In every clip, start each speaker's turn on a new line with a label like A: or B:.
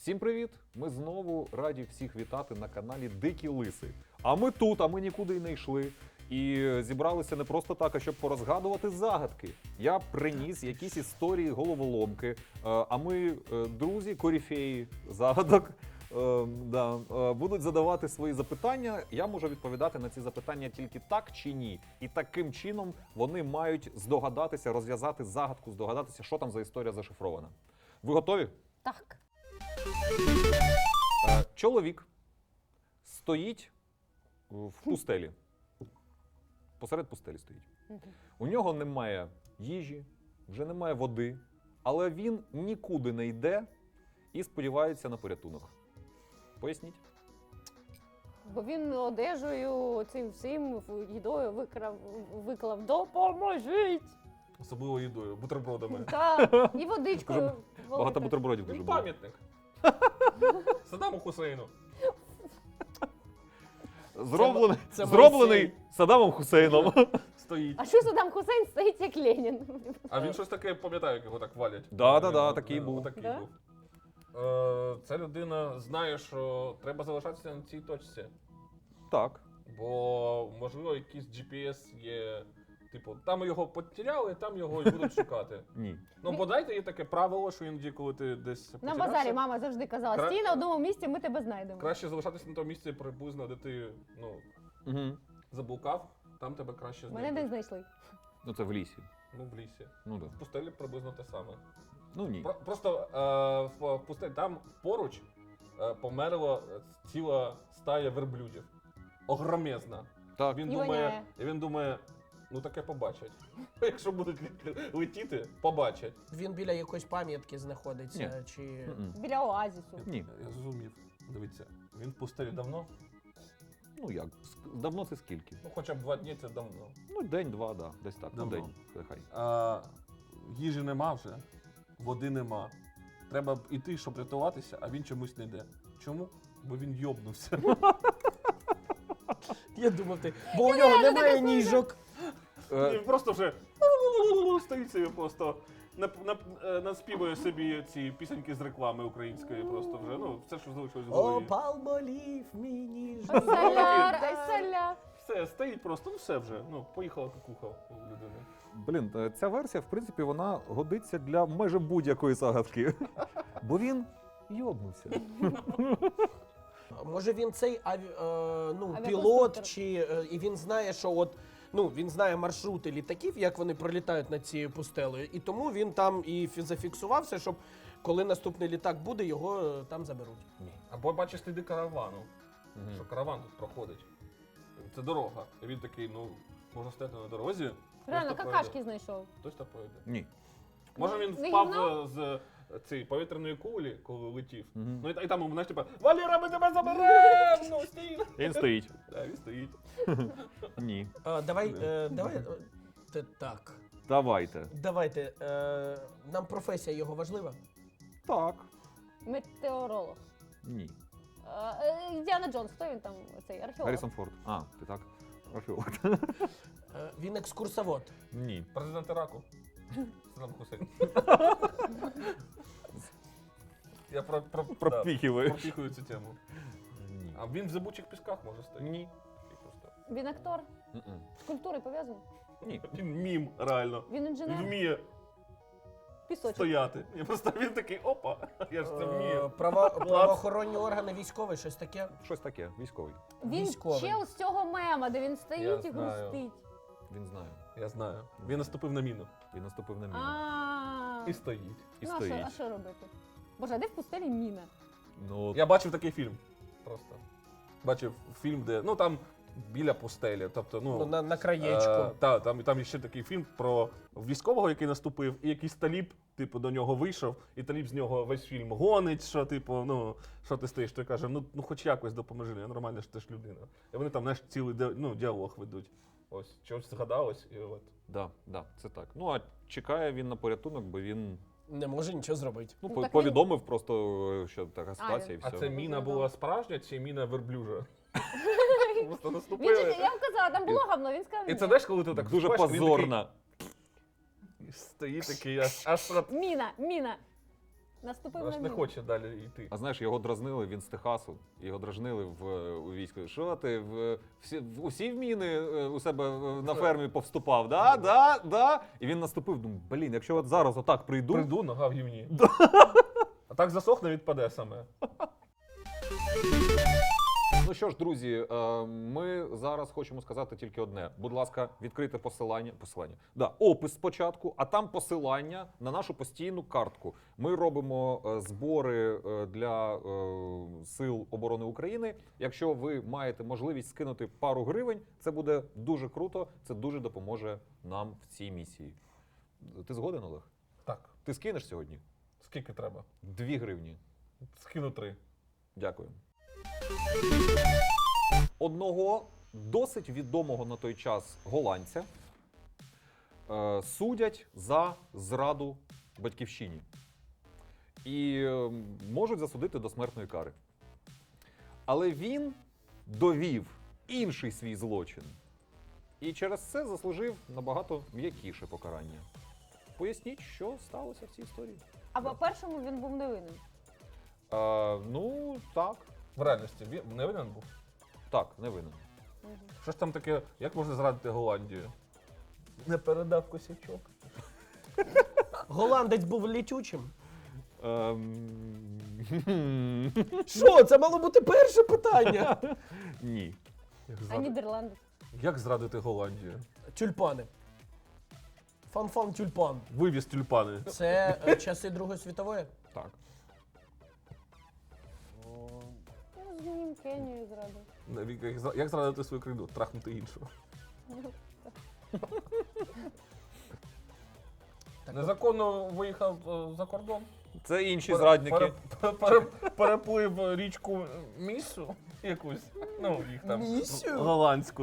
A: Всім привіт! Ми знову раді всіх вітати на каналі Дикі Лиси. А ми тут, а ми нікуди й не йшли. І зібралися не просто так, а щоб порозгадувати загадки. Я приніс якісь історії головоломки, а ми, друзі, корифеї загадок, будуть задавати свої запитання. Я можу відповідати на ці запитання тільки так чи ні. І таким чином вони мають здогадатися, розв'язати загадку, здогадатися, що там за історія зашифрована. Ви готові?
B: Так.
A: Чоловік стоїть в пустелі. Посеред пустелі стоїть. У нього немає їжі, вже немає води, але він нікуди не йде і сподівається на порятунок. Поясніть.
B: Бо він одежею, цим всім, їдою виклав «Допоможіть!»
C: Особливо їдою, бутербродами.
B: Так, і водичкою.
A: Багато бутербродів дуже
C: Він
A: було.
C: пам'ятник. Саддаму Хусейну.
A: Зроблений Саддамом Хусейном.
C: Стоїть.
B: А що Саддам Хусейн стоїть як Ленін?
C: А він щось таке, пам'ятаю, як його так валять.
A: Да, такий був.
C: Отакий
B: Да?
C: був. Ця людина знає, що треба залишатися на цій точці.
A: Так.
C: Бо, можливо, якийсь GPS є. Типу, там його потеряли, там його і будуть шукати.
A: Ні.
C: Ну, бодай є таке правило, що іноді, коли ти десь
B: На
C: потерявся,
B: базарі мама завжди казала,
C: Кра-
B: стій на одному місці, ми тебе знайдемо.
C: краще залишатися на тому місці приблизно, де ти,
A: Угу.
C: заблукав, там тебе краще
B: Мене
C: знайдуть.
B: не знайшли.
A: Ну це в лісі.
C: Ну, в лісі.
A: Ну да.
C: В пустелі приблизно те саме.
A: Ну ні.
C: Просто в пустелі там поруч померла ціла стая верблюдів. Огромезна.
A: Так.
C: Він
B: І
C: думає, ну таке побачать. Якщо будуть летіти, побачать.
D: Він біля якоїсь пам'ятки знаходиться, чи
A: Мгм.
B: Біля оазісу.
A: Ні.
C: Я зрозумів. Дивіться, він в пустелі давно?
A: Ну як? Давно це скільки?
C: Ну хоча б 2 дні це давно.
A: Ну день-два, да. Десь так. Ну
C: Давно.
A: день. Нехай.
C: Їжі нема вже, води нема. Треба йти, щоб рятуватися, а він чомусь не йде. Чому? Бо він йобнувся.
D: я думав ти, бо у нього немає ніжок.
C: Він просто вже стоїть собі просто. Наспівує собі ці пісеньки з реклами української, просто вже, ну, все, що залишилось в
D: О,
C: голові.
D: палмолів, мій ніжок.
B: Соляр, ай соляр.
C: Все, стоїть просто, ну все вже, ну, поїхала кукуха у людини.
A: Блін, ця версія, в принципі, вона годиться для майже будь-якої загадки. Бо він йобнувся.
D: Може він цей
B: Авіаконструктор.
D: пілот, і він знає, що от, він знає маршрути літаків, як вони пролітають над цією пустелею, і тому він там і зафіксувався, щоб коли наступний літак буде, його там заберуть.
A: Ні.
C: Або бачиш сліди каравану,
A: Мгм.
C: що караван тут проходить. Це дорога. І він такий, ну, можна стояти на дорозі.
B: Реально,
C: хтось то
B: какашки
C: пройде.
B: знайшов.
C: Хтось то пройде.
A: Ні.
C: Може він
B: Не
C: впав
B: гівно?
C: з цієї повітряної кулі, коли летів.
A: Мгм.
C: Ну і там йому, знаєш, типа, Валера, ми тебе заберемо! Ну, стій!
A: Він стоїть.
C: Так, він стоїть.
A: Ні.
D: Давай, так.
A: Давайте.
D: Нам професія його важлива?
A: Так.
B: Метеоролог.
A: Ні.
B: Індіана Джонс, хто він там, цей археолог?
A: Гаррісон Форд. А, ти так? Археолог.
D: Він екскурсовод.
A: Ні.
C: Президент Іраку. Саддам Хусейн. Я
A: Пропіхиваєш.
C: пропіхую цю тему.
A: Ні.
C: А він в зибучих пісках може стояти.
A: Ні.
C: Такий просто.
B: Він актор?
A: Мгм.
B: З культурою пов'язаний?
A: Ні.
C: Він мім, реально.
B: Він
C: Він
B: інженер?
C: вміє
B: Пісочок.
C: стояти. Я просто він такий, опа, я ж це вмію.
D: Правоохоронні органи, військовий, щось таке.
A: Щось таке, військовий.
B: Він
D: Військовий.
B: чел з цього мема, де він стоїть
C: Я
B: і
C: знаю.
B: грустить.
A: Він знає.
C: Я знаю. Він наступив на міну.
A: Він наступив на міну.
B: А.
C: І стоїть.
A: І
B: Ну, а
A: стоїть.
B: що робити? Боже, а де в пустелі міна?
A: Ну,
C: Я бачив такий фільм. Просто. Бачив фільм, де. Ну там біля пустелі. Тобто,
D: На краєчку.
C: Там ще такий фільм про військового, який наступив, і якийсь таліб, типу, до нього вийшов, і таліб з нього весь фільм гонить, що, типу, що ти стоїш, той каже, ну хоч якось допоможи, я нормальна ж ти ж людина. І вони там, знаєш, цілий діалог ведуть. Ось, чогось згадалось, і от.
A: да, це так. Ну, а чекає він на порятунок, бо він
D: Не може нічого зробити.
B: Ну, так
A: повідомив просто, що така ситуація і
C: А
A: все.
C: це міна була справжня чи міна верблюжа? Просто
B: Він же,
C: наступили.
B: я вам казала, там було говно, він сказав
C: І
B: ні.
C: це знаєш, коли ти так
A: Дуже
C: вступаєш, він
A: позорна.
C: такий стоїть такий, аж
B: Міна. Наступив
C: Аж
B: на
C: не
B: міну.
C: хоче далі йти.
A: А знаєш, його дразнили, він з Техасу, його дразнили у війську. Що ти усі в міни у себе на фермі повступав? Да. І він наступив. Думаю, блін, якщо от зараз отак прийду.
C: Прийду, нога в гівні. А так засохне, відпаде саме.
A: Ну що ж, друзі, ми зараз хочемо сказати тільки одне. Будь ласка, відкрийте посилання. Опис спочатку, а там посилання на нашу постійну картку. Ми робимо збори для Сил оборони України. Якщо ви маєте можливість скинути пару гривень, це буде дуже круто, це дуже допоможе нам в цій місії. Ти згоден, Олег?
C: Так,
A: Ти скинеш сьогодні?
C: скільки треба?
A: 2 гривні.
C: Скину 3.
A: Дякую. Одного досить відомого на той час голландця судять за зраду батьківщині і можуть засудити до смертної кари. Але він довів інший свій злочин і через це заслужив набагато м'якіше покарання. Поясніть, що сталося в цій історії.
B: А по-першому він був невинним.
A: Ну, так.
C: В реальності він не винен був.
A: Так, не винен.
C: Що ж там таке, як можна зрадити Голландію? Не передав косячок.
D: Голландець був літючим.
A: Ем,
D: Що? Це мало бути перше питання.
A: Ні.
B: А Нідерланди?
C: Як зрадити Голландію?
D: Тюльпани. Фан-фан тюльпан.
C: Вивіз тюльпани.
D: Це часи Другої світової?
A: Так.
B: Ну, з ним Кенію зрадив.
C: Як зрадити свою країну? Трахнути іншу. Незаконно виїхав за кордон.
A: Це інші зрадники.
C: Переплив річку Місу якусь. Ну, їх там.
D: Місю?
C: Голландську.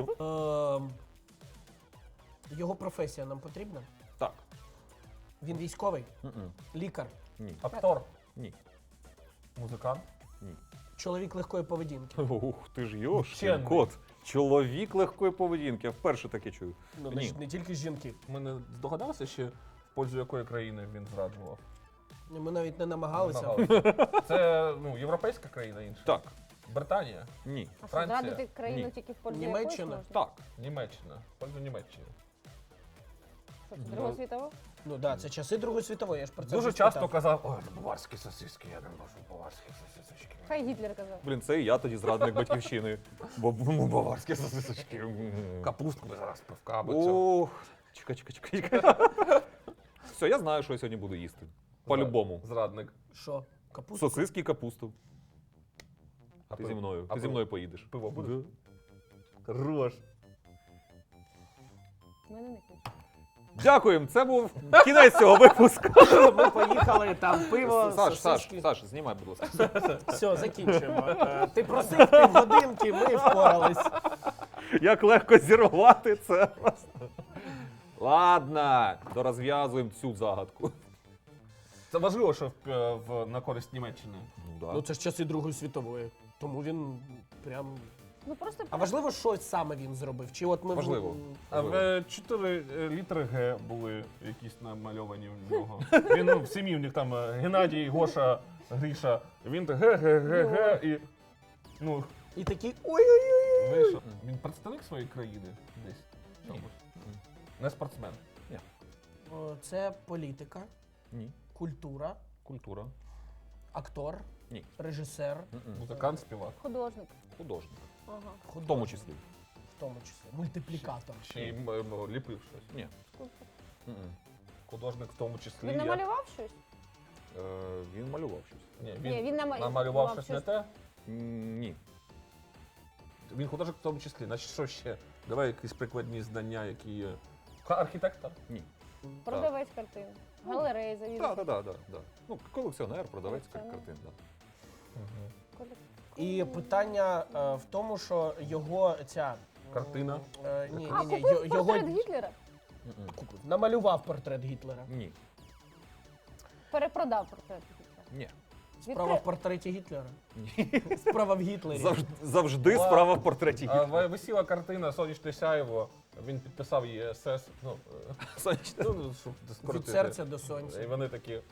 D: Його професія нам потрібна?
A: Так.
D: Він військовий,
A: М-м.
D: лікар,
A: Ні.
C: Актор.
A: Ні.
C: Музикант.
A: Ні.
D: чоловік легкої поведінки.
A: Ух, ти ж йош,
C: Вчений.
A: кот. Чоловік легкої поведінки. Я вперше таке чую.
D: Ну,
A: Ні.
D: значить, не тільки жінки.
C: Ми не здогадалися ще, в пользу якої країни він зраджував?
D: Ми навіть не намагалися.
C: Це європейська країна інша.
A: Так.
C: Британія,
A: Ні.
B: А що,
C: Франція?
B: зрадити країну
A: Ні.
B: тільки в пользу
D: Німеччина?
B: якоїсь можна?
A: Так.
C: Німеччина. В пользу Німеччини.
B: Що, це Друга світова?
D: Ну так, це часи Другої світової, я ж про це
C: Дуже
D: вже
C: часто
D: спитав.
C: казав, ой, баварські сосиски, я не можу баварські сосисочки.
B: Хай Гітлер казав.
A: Блін, це і я тоді зрадник батьківщини. Бо баварські сосисочки.
C: Капустку би зараз пивка або цього.
A: Ох, чекай. Все, я знаю, що я сьогодні буду їсти. По-любому.
C: Зрадник.
D: Що? Капуста?
A: Сосиски і капусту.
C: А
A: Ти
C: пиво?
A: зі мною.
C: А
A: Ти зі
C: пиво?
A: мною поїдеш.
C: Пиво будеш? Хорош.
B: У мене не кінь.
A: Дякуємо, це був кінець цього випуску.
D: Ми поїхали, там пиво,
A: Саш,
D: сосиски.
A: знімай, будь ласка.
D: Все, закінчуємо. Ти просив півгодинки, ми впорались.
A: Як легко зірвати це. Ладно, дорозв'язуємо цю загадку.
C: Це важливо, що на користь Німеччини.
D: Ну це ж часи Другої світової. Тому він прям.
B: Ну просто
D: А важливо, що саме він зробив? Чи от ми
A: Важливо.
C: А в 4 літери Г були якісь намальовані в нього. Він в сім'ї, в них там Геннадій, Гоша, Гріша. Він Г і ну,
D: І такий ой-ой-ой.
C: вийшов. Він представник своєї країни десь. в чомусь? Не спортсмен.
D: О, це політика,
A: Ні.
D: культура,
A: Культура.
D: актор,
A: Ні.
D: режисер,
A: М-м.
C: Музикант, співак.
B: художник.
A: Художник.
B: Ага.
A: В тому числі.
D: в тому числі. Мультиплікатор.
C: Ще й ліпив щось.
A: Ні. М-м.
C: Художник в тому числі.
B: Він намалював щось?
A: Він малював щось.
C: Ні,
B: Ні, він
C: намалював щось не те.
A: Ні.
C: Він художник в тому числі. Значить, що ще? Давай якісь прикладні знання, які є. Архітектор.
A: Ні.
B: Продавець картин. Галереї завідувач.
A: Так. Ну, колекціонер, продавець
B: Колекціонер.
A: картин, так.
D: І питання в тому, що його ця
C: Картина.
D: Ні,
B: А,
D: ні,
B: купив
D: його
B: портрет Гітлера?
D: купив. Намалював портрет Гітлера.
A: Ні.
B: Перепродав портрет Гітлера.
A: Ні.
D: Справа в портреті Гітлера.
A: Ні.
D: Справа в Гітлері.
A: Завжди
C: Ва-
A: справа в портреті Гітлера.
C: Висіла картина Сонячне сяйво. Він підписав її СС.
A: Сонячне.
C: Ну, щоб
D: Від
C: скоротити.
D: серця до
C: І
D: сонця.
C: вони такі.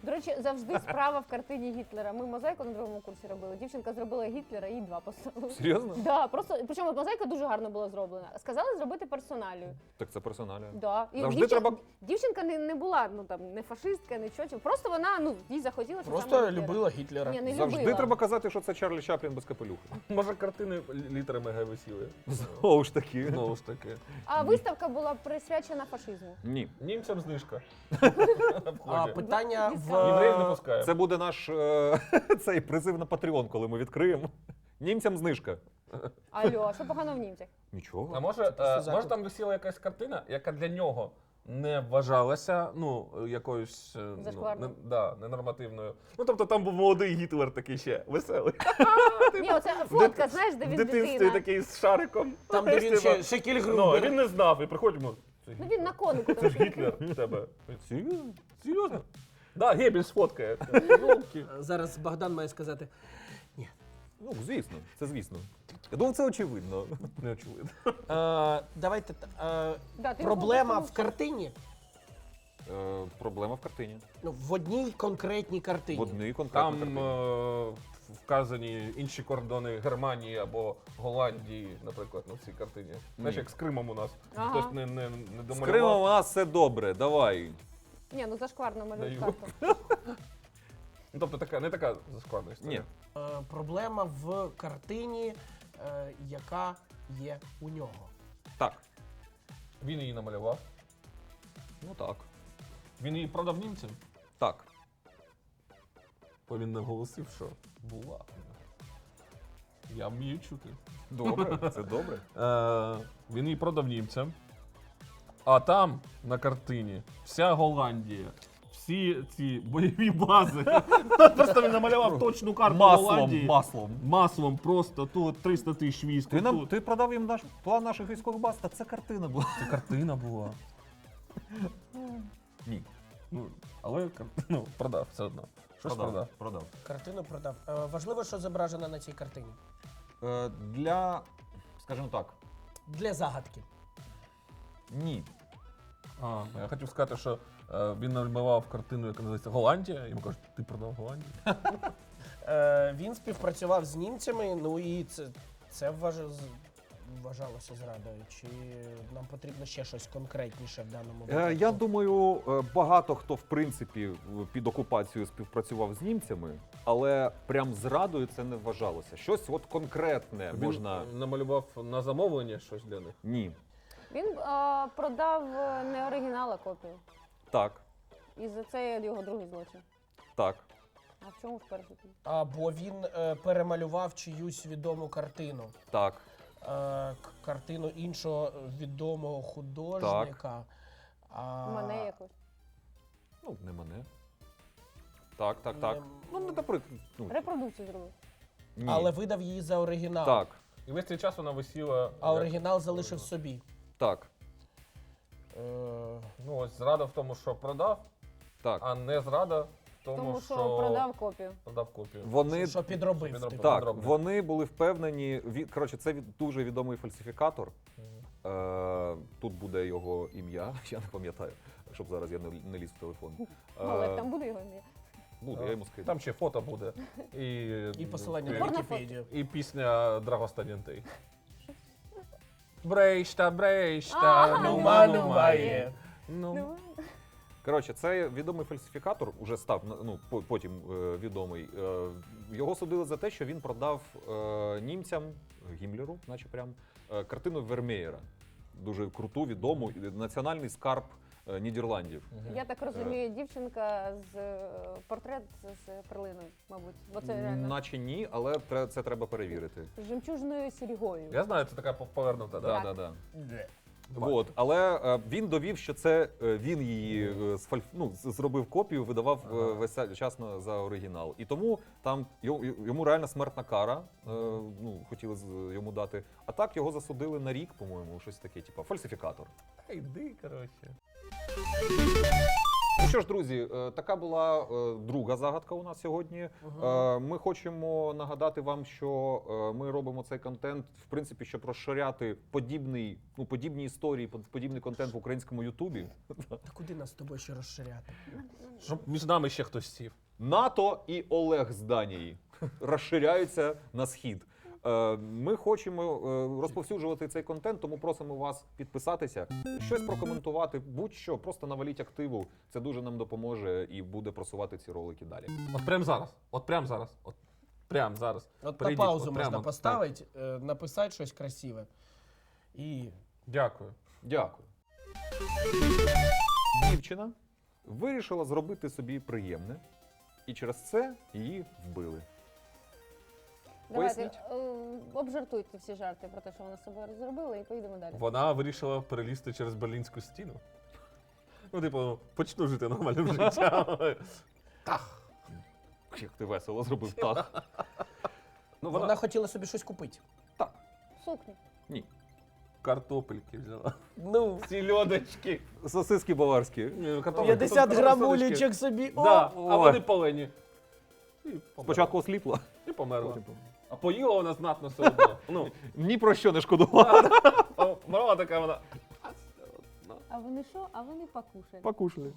B: До речі, завжди справа в картині Гітлера. Ми мозаїку на другому курсі робили. Дівчинка зробила Гітлера, їй 2 поставили.
A: Серйозно?
B: Да, просто, причому мозаїка дуже гарно була зроблена. Сказали зробити персоналію.
A: Так це персоналія.
B: Да. І
A: Завжди треба-
B: Дівчинка не була, ну там, не фашистка, нічого. Просто вона, ну, їй захотілося саме
D: Просто
B: Гітлера.
D: любила Гітлера.
B: Ні, не
A: Завжди
B: любила.
A: треба казати, що це Чарлі Чаплін без капелюха.
C: Може, картини літерами Г висіли.
A: Знову ж таки.
C: Знову ж таки.
B: А виставка була присвячена фашизму.
A: Ні.
C: Німцям знижка.
D: А питання
C: Євреїв не
D: в
C: пускаємо.
A: Це буде наш цей призив на Patreon, коли ми відкриємо. Німцям знижка.
B: Алло, а що погано в німцях?
A: Нічого.
C: А може,
D: просто
C: може
D: заклик.
C: там висіла якась картина, яка для нього не вважалася, ну, якоюсь
B: Зашкварною.
C: ненормативною. Ну, тобто там був молодий Гітлер такий ще веселий.
B: Ні, оце фотка, знаєш, де
C: В
B: він
C: дитинстві
B: дитина.
C: такий з шариком.
D: там, де він
C: Типа,
D: ще Кіль
C: Ну,
D: Грубер.
C: він не знав, і приходимо.
B: Ну він на конику.
C: Це ж Гітлер в тебе.
A: Серйозно?
C: Серйозно? Да, Геббельс фоткає. Йолки.
D: Зараз Богдан має сказати.
A: Ну, звісно, це звісно. Я думав, це очевидно.
C: Не очевидно.
D: Давайте
B: Да, ти
D: проблема
B: його
D: в картині.
A: Проблема в картині.
D: Ну, в одній конкретній картині.
A: В одній конкретній
C: Там
A: картині.
C: вказані інші кордони Германії або Голландії, наприклад, на цій картині. Знаєш, як з Кримом у нас.
B: Ага.
C: Хтось не
A: З
C: домалював.
A: Кримом у нас все добре, давай.
B: Ні, ну зашкварно малюють
C: Даю.
B: карту.
C: Ну, тобто така, не така складна історія.
A: Ні.
D: Проблема в картині, яка є у нього.
A: Так.
C: Він її намалював.
A: Ну так.
C: Він її продав німцям.
A: Так.
C: Бо він наголосив, що була. Я вмію чути.
A: Добре, це добре.
C: Він її продав німцям. А там на картині вся Голландія, всі ці бойові бази. Просто він намалював точну карту Голландії. Маслом просто тут 300 тисяч військ. Тут.
A: Ти продав їм план наших військових баз, та це картина була.
C: Це картина була.
A: Ні.
C: Ну, але продав все одно. Щось продав.
A: Продав.
D: Картину продав. Важливо, що зображено на цій картині.
A: Для, скажімо так,
D: Для загадки.
A: ні.
C: Я хотів сказати, що він намалював картину, яка називається Голландія. Йому кажуть, ти продав Голландію?
D: Він співпрацював з німцями, ну і це вважалося зрадою. Чи нам потрібно ще щось конкретніше в даному випадку?
A: Я думаю, багато хто в принципі під окупацією співпрацював з німцями, але прям зрадою це не вважалося. Щось от конкретне можна.
C: Він намалював на замовлення щось для них.
A: Ні.
B: Він продав не оригінал, а копію.
A: Так.
B: І за це його другий злочин.
A: Так.
B: А в чому ж перший?
D: Або він перемалював чиюсь відому картину.
A: Так.
D: Картину іншого відомого художника.
B: Мене якось.
A: Ну, не мене. Так.
D: Не-
A: Ну, не наприклад. Ну,
B: Репродукцію зробив.
A: ні.
D: Але видав її за оригінал.
A: Так.
C: І весь цей час вона висіла.
D: А оригінал залишив собі.
A: Так.
C: Ну, ось зрада в тому, що продав,
A: Так.
C: а не зрада в тому,
B: Тому що продав копію.
C: продав копію.
A: Вони
D: Що підробив.
C: Підробив.
D: типу.
A: Так,
C: Подробно.
A: вони були впевнені. Коротше, це дуже відомий фальсифікатор. Тут буде його ім'я, я не пам'ятаю, щоб зараз я не ліз в телефон.
B: Але там буде його ім'я.
A: Буде, я йому скину.
C: Там ще фото буде.
D: І посилання на
B: Порно
D: Вікіпедію.
C: І пісня Драгостанянтей. Брейшта,
D: Нумає.
C: Ну,
A: Коротше, це відомий фальсифікатор, уже став потім відомий. Його судили за те, що він продав німцям, Гіммлеру, наче прям, картину Вермеєра. Дуже круту, відому, національний скарб Нідерландів.
B: Я так розумію, дівчинка з портрет з перлиною, мабуть. Бо це реально
A: Наче ні, але це треба перевірити.
B: з жемчужною сірігою.
C: я знаю, це така повернута, да?
B: Так.
A: Да. Вот. Але він довів, що це він її зробив копію, видавав весь час за оригінал. І тому там йому реально смертна кара, хотіли йому дати. А так його засудили на рік, по-моєму, щось таке, типу фальсифікатор.
C: Йди, коротше.
A: що ж, друзі, така була друга загадка у нас сьогодні. Ми хочемо нагадати вам, що ми робимо цей контент, в принципі, щоб розширяти подібні історії, подібний контент в українському Ютубі.
D: Та куди нас з тобою ще розширяти?
C: Щоб між нами ще хтось сів.
A: НАТО і Олег з Данії розширяються на схід. Ми хочемо розповсюджувати цей контент, тому просимо вас підписатися, щось прокоментувати, будь-що, просто наваліть активу. Це дуже нам допоможе і буде просувати ці ролики далі.
C: От прямо зараз. От прямо зараз. От прямо зараз.
D: От
C: Прийдіть,
D: на паузу
C: от
D: можна
C: прямо.
D: поставити, написати щось красиве. І
C: Дякую.
A: Дякую. Дівчина вирішила зробити собі приємне, і через це її вбили.
B: Давайте
A: Поясніть.
B: обжартуйте всі жарти про те, що вона з собою зробила, і поїдемо далі.
C: Вона вирішила перелізти через Берлінську стіну. Ну, типу, почну жити нормальним життям.
A: Як ти весело зробив так.
C: Ну,
D: вона хотіла собі щось купити.
B: Сукню.
A: Ні.
C: картопельки взяла.
D: Ну,
C: Сільодочки.
A: Сосиски баварські.
D: 50 грамулечок собі. О!
C: Да, а
A: Ой.
C: вони полені. І померла.
A: Спочатку осліпла,
C: І померла.
A: потім померла.
C: А поїла вона знатно все одно. Ну,
A: Ні про що не шкодувала.
C: мала така вона.
B: А вони що? А вони покушають.
A: Покушали.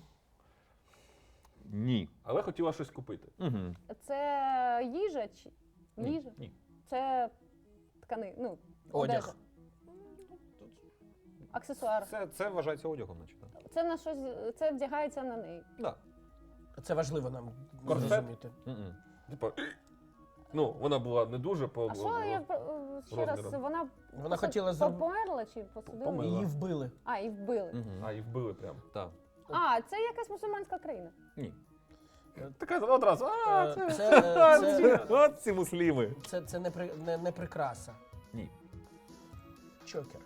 A: Ні.
C: Але хотіла щось купити.
A: Угу.
B: Це їжа чи їжа?
A: Ні.
B: Це ткани, ну,
D: Одяг.
B: одежа. Аксесуар.
A: Це вважається одягом, значить. так?
B: Це на щось, це вдягається на неї.
A: Да.
D: Це важливо нам
C: Корсет?
D: зрозуміти.
A: Мгм.
C: Типа, ну, вона була не дуже по.
B: А що я ще раз,
C: розміром.
B: вона
D: Вона хотіла зробити.
B: померла чи посадила?
C: Померла.
D: Її вбили.
B: А, і вбили.
A: Мгм.
C: А, і вбили прям.
A: Так.
B: А, це якась мусульманська країна.
A: Ні.
C: Така одразу.
A: От ці мусліми.
D: Це не прикраса.
A: Ні.
D: Чокер.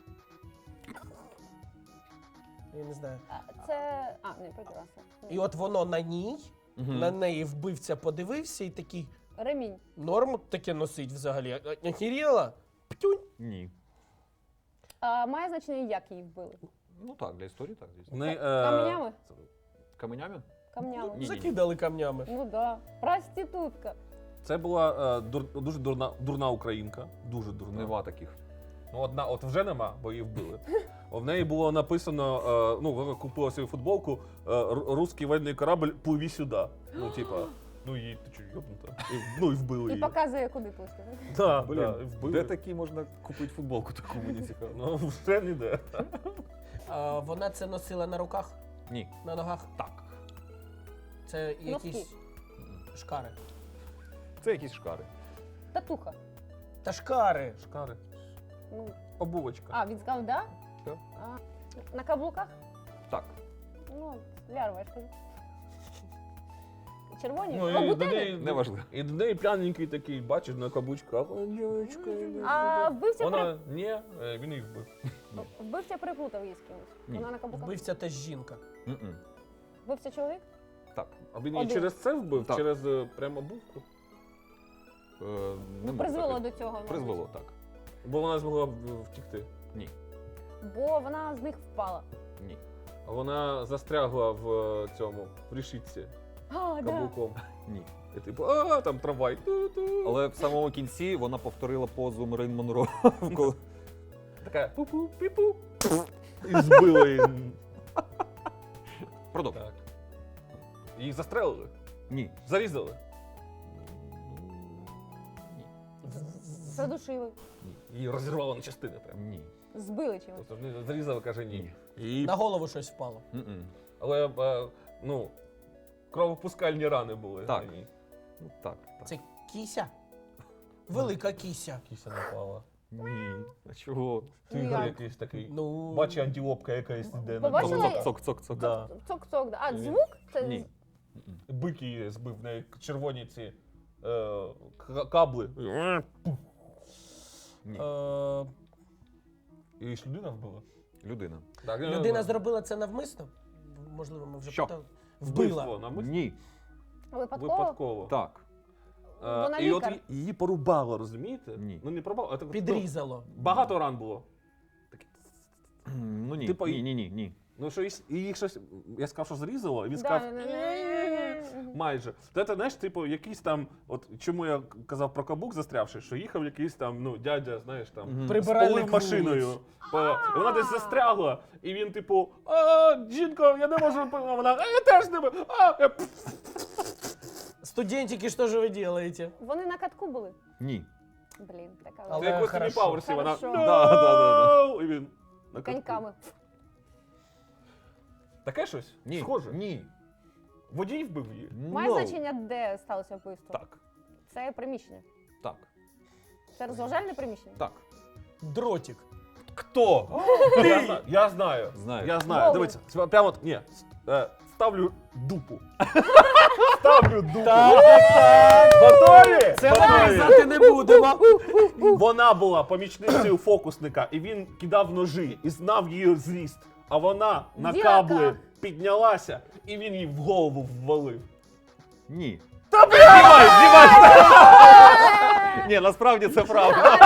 D: Я не знаю.
B: Не прекрасно.
D: І от воно на ній,
A: Мгм.
D: на неї вбивця подивився і такий,
B: Ремінь.
D: норм таке носить взагалі. Охеріла? Птюнь.
A: Ні.
B: А, має значення, як її вбили?
A: Ну так, для історії так, звісно.
B: Каменями?
A: Каменями?
B: Камнями.
A: Ні.
D: Закидали камнями.
B: Ну да. Проститутка.
C: Це була дуже дурна українка. Дуже дурна.
A: Нема таких.
C: Ну, одна, от вже нема, бо її вбили. В неї було написано, ну, вона купила собі футболку «Русський воєнний корабль, пливі сюди». Ну, типа, ну її, ти чого, йобнута? Ну, і вбили
B: І
C: її.
B: показує, куди плисти.
C: Да,
A: Блін,
C: да, і вбили.
A: де такі можна купити футболку таку, мені цікаво.
C: Ну, вже ніде.
D: Вона це носила на руках,
A: Ні.
D: на ногах.
A: Так.
D: Це якісь шкари.
A: Це якісь шкари.
B: Татуха.
D: Та шкари.
C: Шкари.
B: Ну,
C: Обувочка.
B: а, він сказав, да?
A: Так.
B: А, на каблуках?
A: Так.
B: Ну, лярва, я ж кажу. Червоні?
C: Ну, і
B: Лабутени?
C: до неї,
A: Неважливо.
C: І до неї п'яненький такий, бачиш, на каблучках. О, дівчинка.
B: А вбивця,
C: Вона, ні, він їх вбив.
B: вбивця переплутав її з кимось.
A: Ні.
B: Вона на каблуках.
D: Вбивця теж жінка.
A: Мгм.
B: Вбивця чоловік?
A: Так.
C: А він її
B: Один.
C: через це вбив?
A: Так.
C: Через прямо обувку?
A: Не можу
B: Призвело
A: так.
B: до цього. мабуть.
A: Призвело, так.
C: Бо вона змогла втікти.
A: Ні.
B: Бо вона з них впала.
A: Ні.
C: А вона застрягла в цьому, в рішітці
B: А, да.
C: каблуком.
A: Ні.
C: І типу, там трамвай. Ту-ту.
A: Але в самому кінці вона повторила позу Мерлін Монро. коли-
C: Така пу-пу, пі-пу. І збила її.
A: Продовжуй.
C: Так. Її застрелили?
A: Ні.
C: Зарізали?
B: Задушили.
C: Її розірвало на частини прям.
A: Ні.
B: Збили чимось.
C: Тобто не зарізали, каже ні. І...
D: На голову щось впало.
A: Мгм.
C: Але, ну, кровопускальні рани були.
A: Так.
C: на ній.
A: Ну, так. так.
D: Це кіся? Велика кіся.
C: Кіся напала.
A: Ні. А чого?
C: Тигр
B: як?
C: якийсь такий.
D: Ну,
C: Бачи, антилопка якась іде.
B: Побачила?
A: Цок-цок-цок.
C: Да.
B: Цок-цок. Да. А,
C: Ні.
B: звук? Це
A: Ні.
C: Бик її збив, в неї червоні ці кабли.
A: Ні.
C: І ж людина вбила.
A: Людина.
C: Так,
D: людина зробила це навмисно? Можливо, ми вже
A: Що?
D: питали. Вбила.
C: Вбивство, навмисно?
A: Ні.
B: випадково?
C: Випадково.
A: Так.
B: Вона
C: І от
B: лікар.
C: її порубало, розумієте?
A: Ні.
C: Ну не порубало, а так
D: Підрізало.
C: багато ран було.
A: Ну ні.
C: Типу,
A: Ні, ні, ні, ні.
C: Ну, що і їх щось, я сказав, що зрізало, і він
B: Да,
C: сказав,
B: не-не-не.
C: майже. То це, знаєш, типу, якийсь там, от чому я казав про каблук застрявши, що їхав якийсь там, ну, дядя, знаєш, там,
D: Прибиральник
C: з полив машиною.
D: вулиць.
C: І вона десь застрягла, і він, типу, жінко, я не можу, а вона, я теж не можу,
D: Студентики, що ж ви робите?
B: Вони на катку були?
A: Ні.
B: Блін, така
D: Але
C: Це як в
D: хорошо.
C: Пауерсі, вона,
B: Хорошо.
C: «No!» і він на катку.
B: коньками.
C: Таке щось?
A: Ні.
C: Схоже.
A: Ні.
C: Водій вбив її.
B: Має
A: No.
B: значення, де сталося вбивство?
A: Так.
B: Це приміщення.
A: Так.
B: Це розважальне приміщення?
A: Так.
D: Дротик.
A: Хто?
C: Я знаю.
A: Знаєш.
C: Я знаю.
B: Боулінг.
C: Дивіться, прямо от, ні, ставлю дупу. Ставлю дупу. Готові?
D: Це ми
C: Готові?
D: різати не будемо.
C: Вона була помічницею фокусника, і він кидав ножі і знав її зріст. А вона на
B: Дяка.
C: кабли піднялася, і він їй в голову ввалив.
A: Ні. Знімай! Ні, насправді це правда.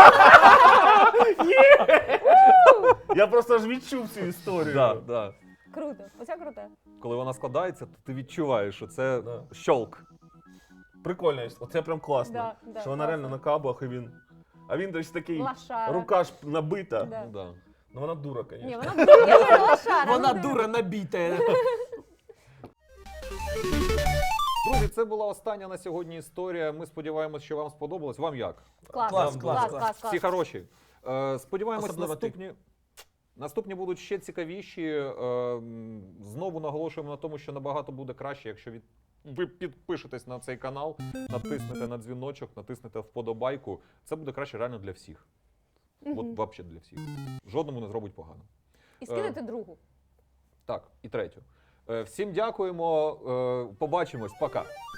C: Я просто ж відчув цю історію.
A: Да.
B: Круто. Оце круте.
A: Коли вона складається, то ти відчуваєш, що це
C: Да.
A: щолк.
C: Прикольно, оце прям класно.
B: Да,
C: Що вона
B: класно.
C: реально на каблах, і він. А він десь такий,
B: Лошара.
C: рука ж набита.
B: Да.
A: Ну, да.
C: Ну вона дура, звісно.
B: Ні, вона дура, лошара.
D: Вона
B: ну,
D: дура набита.
A: Друзі, це була остання на сьогодні історія. Ми сподіваємось, що вам сподобалось. Вам як?
B: Клас,
D: Клас,
B: клас,
D: клас.
B: клас.
A: Всі хороші. Сподіваємось,
D: Особливо ти.
A: наступні будуть ще цікавіші. Знову наголошуємо на тому, що набагато буде краще, якщо ви підпишетесь на цей канал, натиснете на дзвіночок, натиснете вподобайку. Це буде краще реально для всіх. От взагалі для всіх. Жодному не зробить погано.
B: І скинете другу.
A: Так, і третю. Всім дякуємо. Побачимось. Пока.